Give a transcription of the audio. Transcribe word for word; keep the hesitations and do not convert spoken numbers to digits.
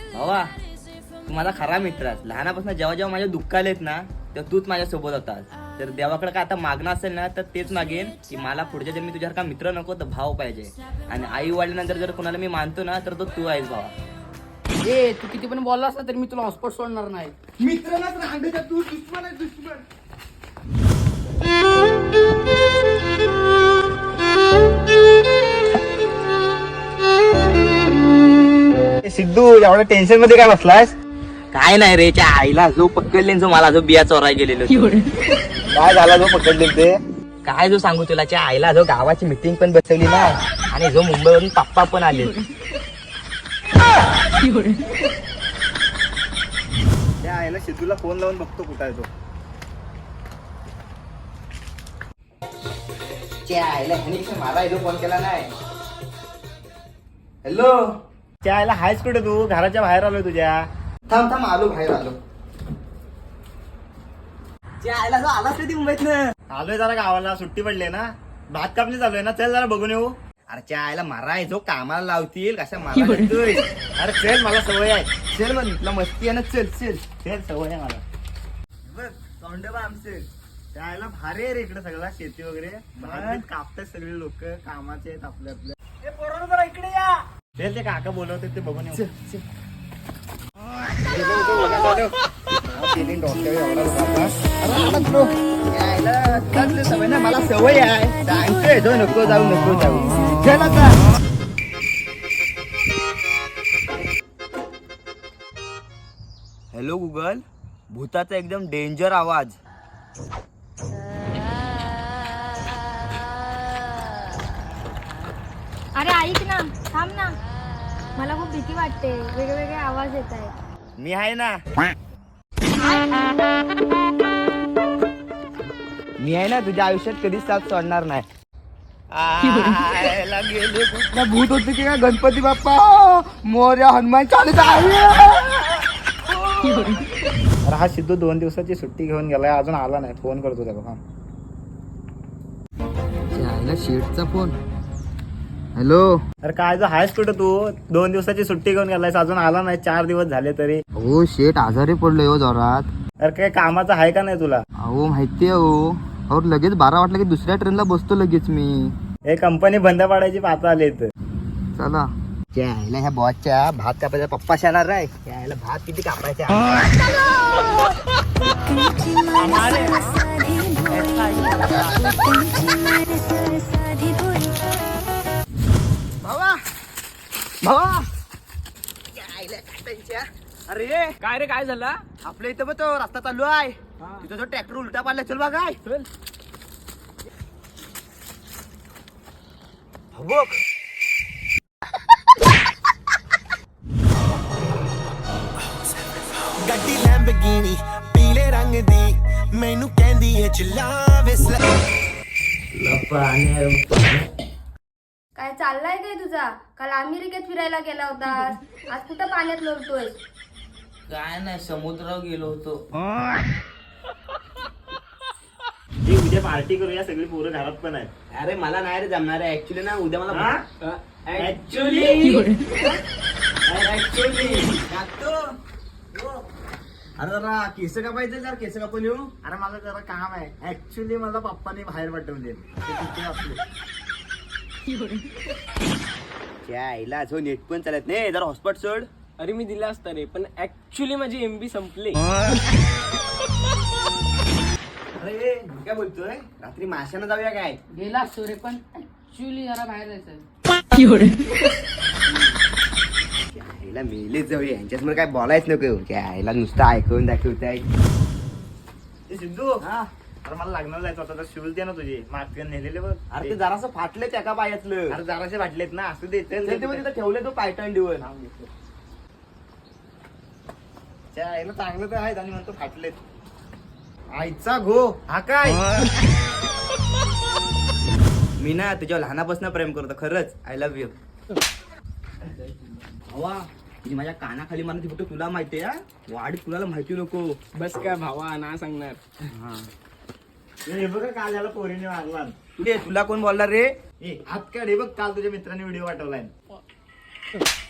भावा तू माझा खरा मित्र आहेस. लहानापासून जेव्हा जेव्हा माझ्या दुःख आलेत ना तेव्हा तूच माझ्या सोबत होतास. तर देवाकडे काय आता मागणं असेल ना तर तेच मागेन की मला पुढच्या जन्मी तुझ्यासारखा मित्र नको तर भाव पाहिजे. आणि आई वडिलांनंतर जर कोणाला मी मानतो ना तर तो तू आहेस भावा. ए तू किती पण बोललास ना तरी मी तुला हॉस्पॉट सोडणार नाही. मित्र ना रांडेचा तू दुश्मन आहे दुश्मन. सिद्धू एवढ्या टेन्शन मध्ये काय बसलायस? काय नाही रे त्या आईला जो पकडले जो मला जो बिया चोराय गेलेलो काय झाला जो पकडले ते? काय जो सांगू तुला त्या आईला जो गावाची मिटिंग पण बसवली ना आणि जो मुंबईवरून पप्पा पण आले. त्या आईला सिद्धूला फोन लावून बघतो कुठं आहे तो. त्या आईला मला जो फोन केला नाही. हॅलो त्या आईला हायच कुठे तू? घराच्या बाहेर आलोय तुझ्या. थांब थांब आलो बाहेर आलो. त्या आईला जो आलास कधी मुंबईतनं? आलोय जरा गावाला, सुट्टी पडली ना, भात कापणी चालू आहे ना, चल जरा बघून येऊ. अरे त्या आईला मारा जो कामाला लावतील कशा मला करतोय? अरे चल, मला सवय आहे. चल मग तुला मस्ती आहे ना, चल चल चल, सवय आहे मला. बघ तोंडबा आमचं. त्या आईला भारी आहे रे इकडे सगळं, शेती वगैरे भात कापतात सगळे लोक, कामाचे आहेत आपल्या आपल्या. ए पोरांनो जरा इकडे या. चल ते काका बोलवते ते बघून येऊ. चल चल. यायला चाललं सवय ना, मला सवय आहे. सांगतोय जो नको जाऊ नको जाऊ. चल आता. हॅलो गुगल, भूताचा एकदम डेंजर आवाज. अरे ऐक ना, थांब ना, मला खूप भीती वाटते. वेगवेगळे आवाज येत आहेत. मी आहे ना. मी आहे ना तुझ्या आयुष्यात कधीच साथ सोडणार नाही. आयला गेले कुठलं भूत होते की काय? गणपती बाप्पा मोरया, हनुमान चालीसा. अरे हा सिद्धू दोन दिवसाची सुट्टी घेऊन गेलाय, अजून आला नाही. फोन करतो त्याला. हा शेटचा फोन. हॅलो. अरे काय जो आहेस कुठं तू? दोन दिवसाची सुट्टी घेऊन गेलायस, अजून आला नाही. चार दिवस झाले तरी. हो शेट आजारी पडलोय हो जोरात. अरे काय कामाचं आहे का नाही तुला? अहो माहितीये हो. और लगेच बारा वाटलं की दुसऱ्या ट्रेनला बसतो लगेच मी. हे कंपनी बंद पाडायची पाहता आली इथं. चला. त्याला ह्या बॉसच्या भात कापायचा पप्पा येणार आहे. त्याला भात किती कापायचा? भावा भावा. अरे काय रे, काय झालं? आपल्या इथं बघ तो रस्ता चालू आहे, तिथं जो ट्रॅक्टर उलटा पाडला. चल बघ काय. चल. बघ ਗੱਡੀ ਲੈਂਬਗੀਨੀ ਪੀਲੇ ਰੰਗ ਦੀ ਮੈਨੂੰ ਕਹਿੰਦੀ ਏ ਚਲਾ ਵਿਸਲਾ. काय चाललाय काय तुझा? काल अमेरिकेत फिरायला गेला होतास, आज कुठं पाण्यात लोळतोय? काय नाही समुद्रावर गेलो होतो. हे उद्या पार्टी करूया, सगळी पोरं घरात पण आहेत. अरे मला नाही रे जमणार आहे ऍक्च्युली ना. उद्या मला ऍक्च्युली अरे जरा केस कापायचं, जरा केस कापून येऊ. अरे माझं जरा काम आहे. ऍक्च्युली मला पप्पाने बाहेर पाठवले. ते तिथे असले. त्या आईला जो नेट पण चालत नाही, जरा हॉटस्पॉट सोड. अरे मी दिला असता रे, पण ऍक्च्युली माझी एमबी संपले. अरे काय बोलतोय? रात्री माशानं जाऊया काय? गेला असतो रे, पण ऍक्च्युली जरा बाहेर जायचं. आईला मेलेच जाऊया, यांच्यासमोर काय बोलायच नको. त्या आईला नुसतं ऐकून दाखवताय. ए सिद्धू, अरे मला लग्नाला जायचं होतं, तर शूज दे ना तुझे. मागच्या नेलेले बघ. अरे ते जरासं फाटले त्या का पायातलं. अरे जराशे वाटलेत ना, असू दे. चल ते तिथं ठेवले तो पायटन डिवर. त्या आईला चांगलं तर आहेत आणि म्हणतो फाटलेत. आईचा घो हा काय? मी ना तुझ्या लहानापासून प्रेम करतो खरंच. I love you. भावा ती माझ्या कानाखाली मारली फक्त तुला माहितीये. वाढ तुला माहिती नको. बस काय भावा, ना सांगणार. हा हे बघ काल झाला पोरीने मारला. तुला कोण बोलला रे? ए हात काढ. हे बघ काल तुझ्या मित्राने व्हिडिओ पाठवलाय.